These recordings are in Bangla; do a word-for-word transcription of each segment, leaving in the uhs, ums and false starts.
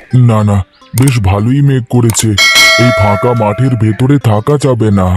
না না, বেশ ভালোই মেঘ করেছে। এই ফাঁকা মাঠের ভেতরে থাকা যাবে না।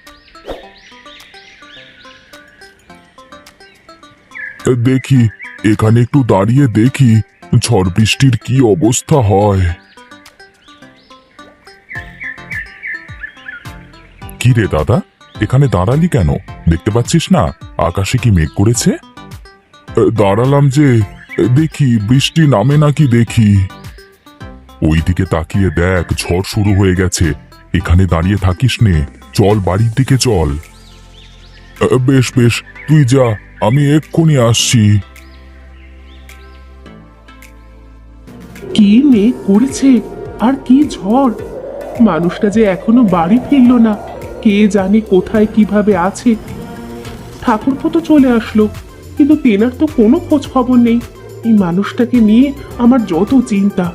দেখি, এখানে একটু দাঁড়িয়ে দেখি ঝড় বৃষ্টির কি অবস্থা হয়। কি রে দাদা, এখানে দাঁড়ালি কেন? দেখতে পাচ্ছিস না আকাশে কি মেঘ করেছে? দাঁড়ালাম যে, দেখি বৃষ্টি নামে নাকি দেখি। ওইদিকে তাকিয়ে দেখ, ঝড় শুরু হয়ে গেছে। এখানে দাঁড়িয়ে থাকিস নে, চল বাড়ির দিকে চল। বেশ বেশ, তুই যা, আমি এক্ষুনি আসছি। কি মেঘ করেছে আর কি ঝড়! মানুষটা যে এখনো বাড়ি ফিরলো না, কে জানে কোথায় কিভাবে আছে। ঠাকুরপো তো চলে আসলো, কিন্তু তেনার তো কোনো খোঁজ খবর নেই। এই মানুষটাকে নিয়ে আমার যত চিন্তা।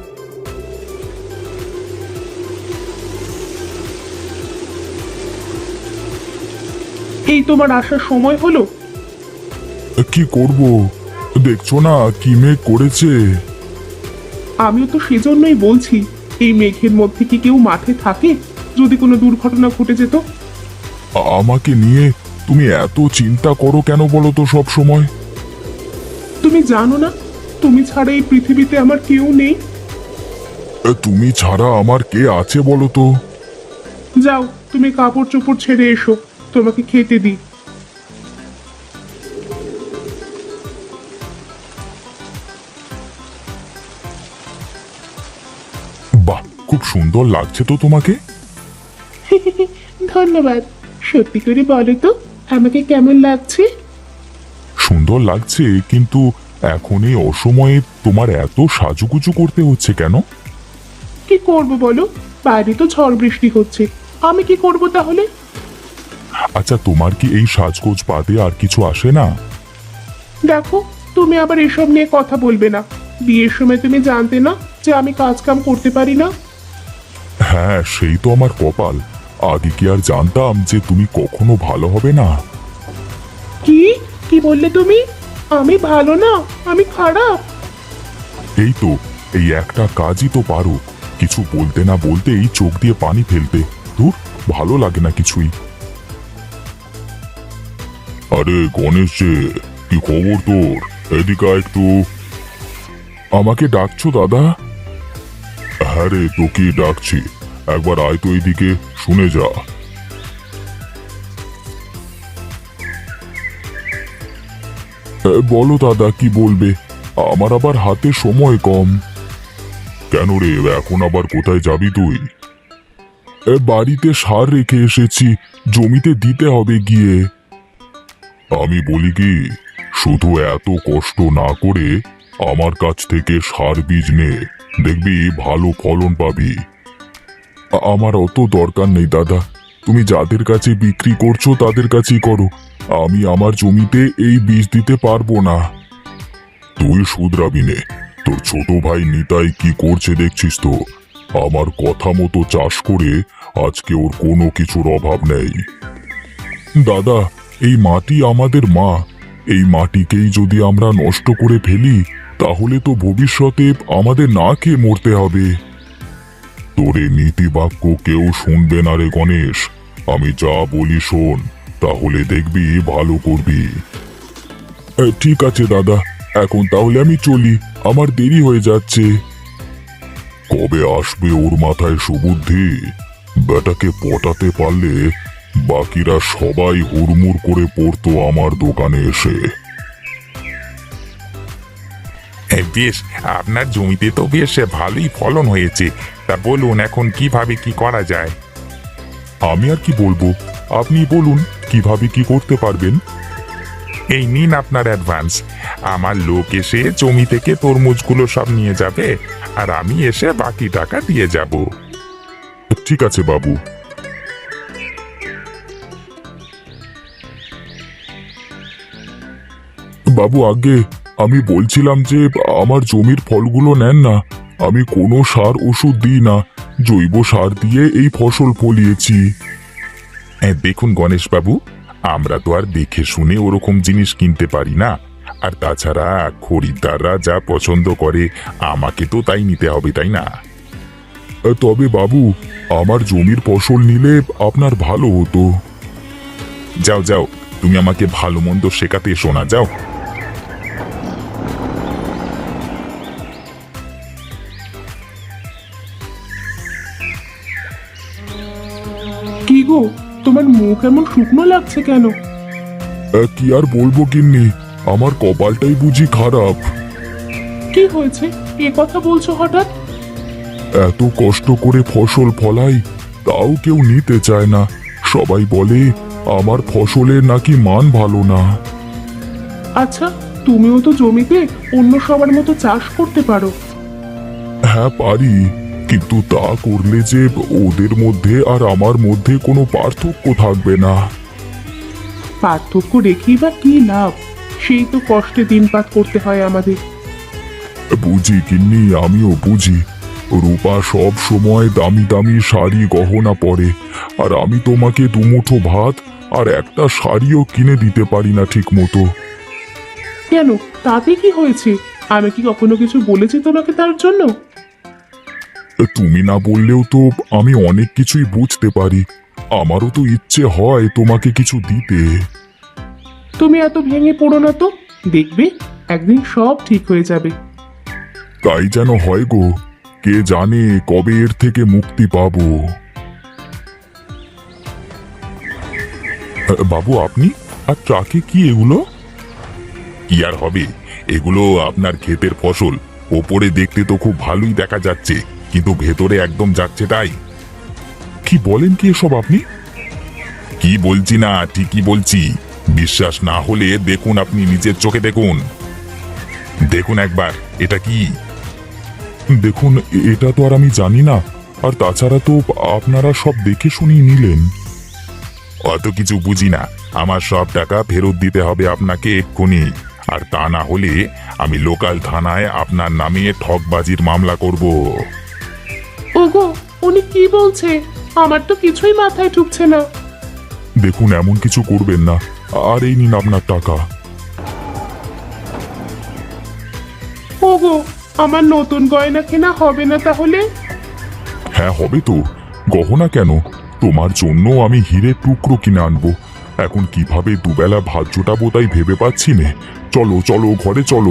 এই তোমার আসার সময় হলো। কি করব, দেখছো না কি মেঘ করেছে। আমিও তো সেজন্যই বলছি, এই মেঘের মধ্যে কি কেউ মাঠে থাকে? যদি কোনো দুর্ঘটনা ঘটে যেত। আমাকে নিয়ে তুমি এত চিন্তা করো কেন বলো তো সব সময়? তুমি জানো না, তুমি ছাড়া এই পৃথিবীতে আমার কেউ নেই। তুমি ছাড়া আমার কে আছে বলো তো? যাও, তুমি কাপড় চোপড় ছেড়ে এসো, তোমাকে খেতে দিই। বাহ, খুব সুন্দর লাগছে তো তোমাকে। ধন্যবাদ। সত্যি করে বলো তো, আমাকে কেমন লাগছে? সুন্দর লাগছে, কিন্তু এখন এই অসময়ে তোমার এত সাজুগুজু করতে হচ্ছে কেন? কি করব বলো, বাইরে তো ঝড় বৃষ্টি হচ্ছে, আমি কি করব তাহলে? আচ্ছা, তোমার কি এই সাজগোজ বাদে আর কিছু আসে না? দেখো, তুমি আবার এসব নিয়ে কথা বলবে না। বিয়ের সময় তুমি জানতে না যে আমি কাজ কাম করতে পারি না? হ্যাঁ, সেই তো আমার কপাল। আগে কি আর জানতাম যে তুমি কখনো ভালো হবে না? কি কি বললে তুমি? আমি ভালো না, আমি খারাপ? এই তো, এই একটা কাজই তো পারো, কিছু বলতে না বলতেই চোখ দিয়ে পানি ফেলতে। ধুর, ভালো লাগে না কিছুই। আরে গণেশ যে, কি খবর তোর? এদিকে আয় একটু। আমাকে ডাকছো দাদা? হ্যাঁ রে, তোকে ডাকছি। একবার আয় তো এইদিকে, শুনে যা। এ, বলো দাদা, কি বলবে? আমার আবার হাতে সময় কম। কেন রে, এখন আবার কোথায় যাবি তুই? এ, বাড়িতে সার রেখে এসেছি, জমিতে দিতে হবে গিয়ে। আমি বলি কি, শুধু এত কষ্ট না করে আমার কাছ থেকে সার বীজ নে, দেখবি ভালো ফলন পাবি। আ- আমার অত দরকার নেই দাদা, তুমি যাদের কাছে বিক্রি করছো তাদের কাছেই করো। আমি আমার জমিতে এই বীজ দিতে পারবো না। তুই শুধরাবি নে, তোর ছোট ভাই নিতাই কি করছে দেখছিস তো। আমার কথা মতো চাষ করে আজকে ওর কোনো কিছুর অভাব নেই। দাদা, এই মাটি আমাদের মা। এই মাটিকেই যদি আমরা নষ্ট করে ফেলি, তাহলে তো ভবিষ্যতে আমাদের না খেয়ে মরতে হবে। তোরে নীতি বাক্য কেউ শুনবে না রে গণেশ। আমি যা বলি শোন, তাহলে দেখবি ভালো করবি। এ, ঠিক আছে দাদা, এখন তাহলে আমি চলি, আমার দেরি হয়ে যাচ্ছে। কবে আসবে ওর মাথায় সুবুদ্ধি? বেটাকে পটাতে পারলে বাকিরা সবাই হুড়মুড় করে পড়তো আমার দোকানে এসে। বেশ, আপনার জমিতে তো বেশ ভালোই ফলন হয়েছে। তা বলুন, এখন কিভাবে কি করা যায়? আমি আর কি বলবো, আপনি বলুন কিভাবে কি করতে পারবেন। এই নিন আপনার অ্যাডভান্স। আমার লোক এসে জমি থেকে তরমুজগুলো সব নিয়ে যাবে, আর আমি এসে বাকি টাকা দিয়ে যাব। ঠিক আছে বাবু। বাবু, আগে আমি বলছিলাম যে আমার জমির ফলগুলো নেন না। আমি কোনো সার ওষুধ দিই না, জৈব সার দিয়ে এই ফসল ফলিয়েছি। এ, দেখুন গণেশবাবু, আমরা তো আর দেখে শুনে ওরকম জিনিস কিনতে পারি না। আর তাছাড়া খরিদ্দাররা যা পছন্দ করে আমাকে তো তাই নিতে হবে, তাই না? তবে বাবু, আমার জমির ফসল নিলে আপনার ভালো হতো। যাও যাও, তুমি আমাকে ভালো মন্দ শেখাতে এসো না, যাও। কি গো, তোমার মুখ এমন শুকনো লাগছে কেন? আহ, কি আর বলবো গিন্নি, আমার কপালটাই বুঝি খারাপ। কি হয়েছে এ কথা বলছো হঠাৎ? এত কষ্ট করে ফসল ফলাই, তাও কেউ নিতে চায় না। সবাই বলে আমার ফসলের নাকি মান ভালো না। আচ্ছা, তুমিও তো জমিতে অন্য সবার মতো চাষ করতে পারো। হ্যাঁ পারি, কিন্তু তা করলে যে ওদের মধ্যে আর আমার মধ্যে কোনো পার্থক্য থাকবে না। পার্থক্য রেখেই বা কি লাভ? সেই তো কষ্টে দিনপাত করতে হয় আমাদের। বুঝি গিন্নি, আমিও বুঝি। রূপা সব সময় দামি দামি শাড়ি গহনা পরে, আর আমি তোমাকে দুমুঠো ভাত আর একটা শাড়িও কিনে দিতে পারি না ঠিক মতো। কেন, তাতে কি হয়েছে? আমি কি কখনো কিছু বলেছি তোমাকে তার জন্য? তুমি না বললেও তো আমি অনেক কিছুই বুঝতে পারি। আমারও তো ইচ্ছে হয় তোমাকে কিছু দিতে। তুমি এত ভেঙে পড়ো না তো, দেখবে একদিন সব ঠিক হয়ে যাবে। তাই যেন হয় গো, কে জানে কবে এর থেকে মুক্তি পাবো। আহ, বাবু আপনি, আর ট্রাকে কি এগুলো? কি আর হবে, এগুলো আপনার ক্ষেতের ফসল। ওপরে দেখতে তো খুব ভালোই দেখা যাচ্ছে, কিন্তু ভেতরে একদম যাচ্ছে তাই। কি বলেন কি এসব আপনি? কি বলছি না, ঠিকই বলছি। বিশ্বাস না হলে দেখুন, আপনি নিজের চোখে দেখুন। দেখুন একবার, এটা কি? দেখুন, এটা তো আর আমি জানি না। আর তাছাড়া তো আপনারা সব দেখে শুনিয়ে নিলেন। অত কিছু বুঝি না। আমার সব টাকা ফেরত দিতে হবে আপনাকে এক্ষুনি, আর তা না হলে আমি লোকাল থানায় আপনার নামে ঠকবাজির মামলা করব। ওগো, উনি কি বলছে? আমার তো কিছুই মাথায় ঢুকছে না। দেখুন, এমন কিছু করবেন না। আর এই নিন আপনার টাকা। ওগো, আমার নতুন গয়না কেনা হবে না তাহলে? হ্যাঁ হবে তো, গহনা কেন, তোমার জন্য আমি হীরের টুকরো কিনে আনবো। এখন কিভাবে দুবেলা ভাত জোটাবো তাই ভেবে পাচ্ছি নে। চলো চলো, ঘরে চলো।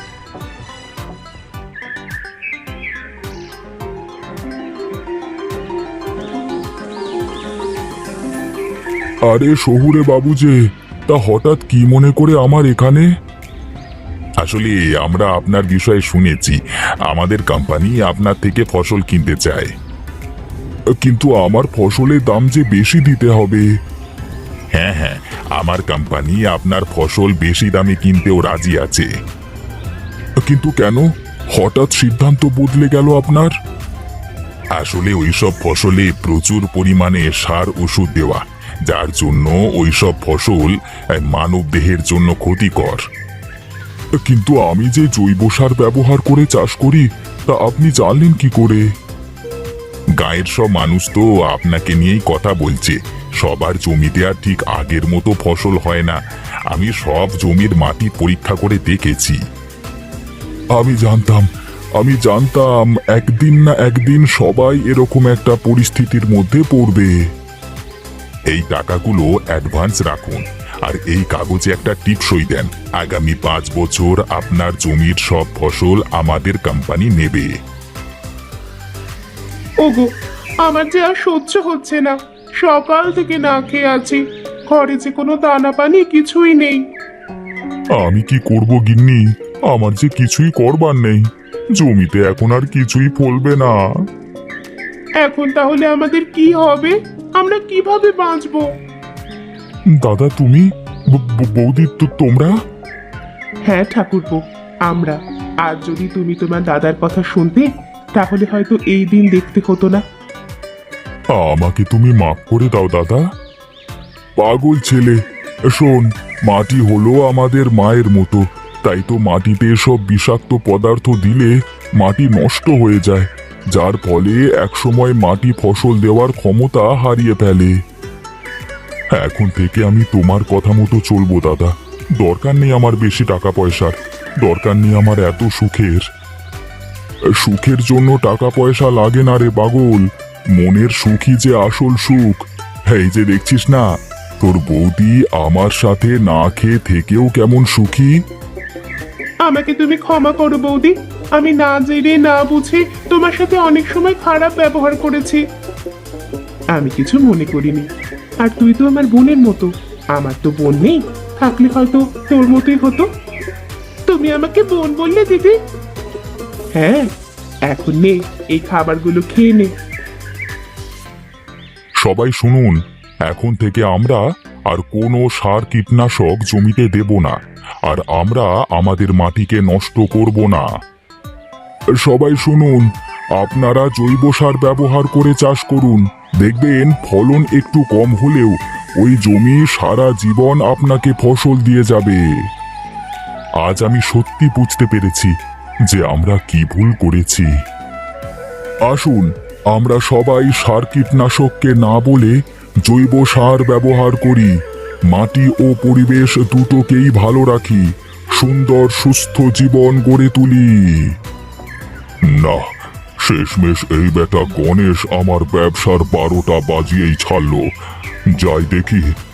আরে শহুরে বাবু যে, তা হঠাৎ কি মনে করে আমার এখানে? আসলে আমরা আপনার বিষয়ে শুনেছি, আমাদের কোম্পানি আপনার থেকে ফসল কিনতে চায়। কিন্তু আমার ফসলের দাম যে বেশি দিতে হবে। হ্যাঁ হ্যাঁ, আমার কোম্পানি আপনার ফসল বেশি দামে কিনতেও রাজি আছে। কিন্তু কেন হঠাৎ সিদ্ধান্ত বদলে গেল আপনার? আসলে ওইসব ফসলে প্রচুর পরিমাণে সার ওষুধ দেওয়া, যার জন্য ওইসব ফসল মানব দেহের জন্য ক্ষতিকর। কিন্তু আমি যে জৈব সার ব্যবহার করে চাষ করি, তা আপনি জানলেন কি করে? গায়ের সব মানুষ তো আপনাকে নিয়েই কথা বলছে। সবার জমিতে আর ঠিক আগের মতো ফসল হয় না। আমি সব জমির মাটি পরীক্ষা করে দেখেছি। আমি জানতাম, আমি জানতাম একদিন না একদিন সবাই এরকম একটা পরিস্থিতির মধ্যে পড়বে। এই টাকাগুলো অ্যাডভান্স রাখুন, আর এই কাগজে একটা টিপসই দেন। আগামী পাঁচ বছর আপনার জমির সব ফসল আমাদের কোম্পানি নেবে। ওগো, আমার যে আর সহ্য হচ্ছে না। সকাল থেকে না খেয়ে আছি, ঘরে যে কোনো দানা পানি কিছুই নেই। আমি কি করব গিন্নি, আমার যে কিছুই করবার নেই। জমিতে এখন আর কিছুই ফলবে না। এখন তাহলে আমাদের কি হবে? আমরা কিভাবে বাঁচবো? দাদা তুমি, ব- ব- বৌদি তো তোমরা? হ্যাঁ ঠাকুরপো, আমরা। আর যদি তুমি তোমার দাদার কথা শুনতে, তাহলে হয়তো এই দিন দেখতে হতো না। আমাকে তুমি মাফ করে দাও দাদা। পাগল ছেলে, শোন, মাটি হলো আমাদের মায়ের মতো। তাই তো মাটিতে সব বিষাক্ত পদার্থ দিলে মাটি নষ্ট হয়ে যায়, যার ফলে একসময় মাটি ফসল দেওয়ার ক্ষমতা হারিয়ে ফেলে। এখন থেকে আমি তোমার কথা মতো চলবো দাদা। দরকার নেই আমার বেশি টাকা পয়সার, দরকার নেই আমার এত সুখের। সুখের জন্য টাকা পয়সা লাগে না রে পাগল, মনের সুখই যে আসল সুখ। এই যে দেখছিস না, তোর বৌদি আমার সাথে না খেয়ে থেকেও কেমন সুখী। আমাকে তুমি ক্ষমা করো বৌদি, আমি না জেনে না বুঝে তোমার সাথে অনেক সময় খারাপ ব্যবহার করেছি। আমি কিছু মনে করিনি। আর তুই তো আমার বোনের মতো, আমার তো বোন নেই, থাকলে হয়তো তোর মতোই হতো। তুমি আমাকে বোন বললে দিদি? হ্যাঁ, এখন নে, এই খাবারগুলো খেয়ে নে। সবাই শুনুন, এখন থেকে আমরা আর কোনো সার কীটনাশক জমিতে দেব না, আর আমরা আমাদের মাটিকে নষ্ট করব না। সবাই শুনুন, আপনারা জৈব সার ব্যবহার করে চাষ করুন, দেখবেন ফলন একটু কম হলেও ওই জমি সারা জীবন আপনাকে ফসল দিয়ে যাবে। আজ আমি সত্যি বুঝতে পেরেছি যে আমরা কি ভুল করেছি। আসুন, আমরা সবাই সার কীটনাশককে না বলে জৈব সার ব্যবহার করি, মাটি ও পরিবেশ দুটোকেই ভালো রাখি, সুন্দর সুস্থ জীবন গড়ে তুলি। না, শেষমেশ এই বেটা গণেশ আমার ব্যবসার বারোটা বাজিয়েই ছাড়লো। যাই দেখি